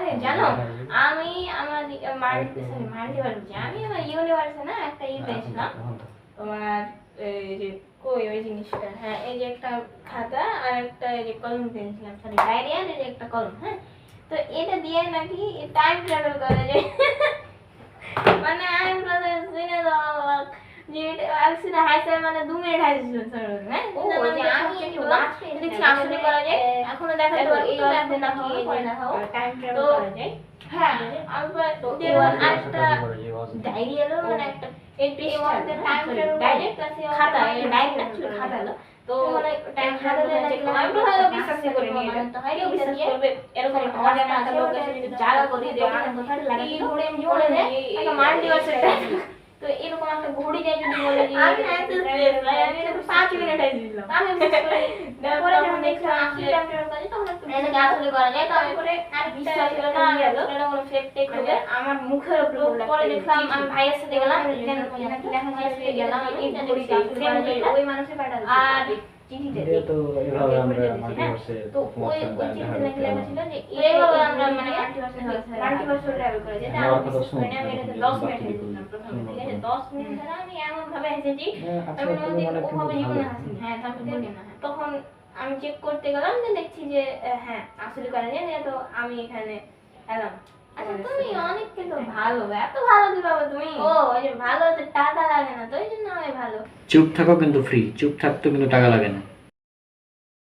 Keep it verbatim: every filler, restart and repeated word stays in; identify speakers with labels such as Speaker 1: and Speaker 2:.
Speaker 1: করে জানো আমি আমার মাল্টি সরি মাল্টিভার্সে আমি আমার ইউনিভার্সে না একটা ই পেয়েছিলাম তোমার এই যে কই ওই জিনিসটা হ্যাঁ এই যে একটা খাতা আর একটা এই যে কলম পেয়েছিলাম সরি ডায়েরি আর এই যে একটা কলম হ্যাঁ তো এটা দিয়ে নাকি টাইম ট্রাভেল করা যায় মানে আমি বলে শুনে দাও যে আলসিনা হাইসে মানে দু মিনিট হাইছিল স্যার হ্যাঁ ও যে আমি একটু বাস দেখছি আসলে করা যায় এখনো দেখা তো এই এখন না কি করে না হোক টাইম ট্রাভেল করা যায় হ্যাঁ আমি তো আরেকটা ডায়েরি এলো মানে একটা এই পৃষ্ঠাতে টাইম ট্রাভেল ডাইরেক্ট আছে খাতা এই ডাইরেক্ট অ্যাকচুয়ালি খাতা এলো তো মানে টাইম খাতা দিয়ে আমি তো হয়তো বিশ্বাস করি নি তো হয় বিশ্বাস করবে এরকম একটা অজানা একটা লোক এসে যদি জায়গা করে দেয় ওখানে কোথায় লাগাই ঘুরে আমি বলে দেয় একটা মাল্টিভার্সের তো এরকম একটা ঘড়ি যায় যদি বলে যে আমি অ্যান্সার দিই আমি তো পাঁচ মিনিট আই দিলাম আমি তারপরে যখন দেখলাম আসলে টাইম ট্রাভেল করে তখন একটু এটা আসলে করা যায় তো আমি করে আর বিশ্বাস ছিল না এটা কোনো ফেক টেক হবে আমার মুখের উপর পরে দেখলাম আমি ভাইয়ের সাথে গেলাম দেন নাকি দেখা যায় গেলাম এই ঘড়িটা ওই মানুষের পাঠালো আর চিঠিতে
Speaker 2: তো এভাবে আমরা মাল্টিভার্সে
Speaker 1: তো ওই ওই চিঠিতে নাকি লেখা ছিল যে এইভাবে আমরা মানে মাল্টিভার্সে মাল্টিভার্সে ট্রাভেল করে যেটা আমি বিশ্বাস করি না আমি এটা দশ মিনিট হেসেছিলাম প্রথমে ঠিক আছে দশ মিনিট ধরে আমি এমন ভাবে হেসেছি আমি ওভাবে জীবনে হাসি হ্যাঁ তারপর বলি না তখন আমি চেক করতে গেলাম যে দেখছি যে হ্যাঁ আসলে করে না তো আমি এখানে এলাম আচ্ছা তুমি অনেক কিন্তু ভালো এত ভালো কিভাবে তুমি ও ওই যে ভালো তো টাকা লাগে না তো এই জন্য আমি ভালো
Speaker 2: চুপ থাকো কিন্তু ফ্রি চুপ থাকতে কিন্তু টাকা লাগে না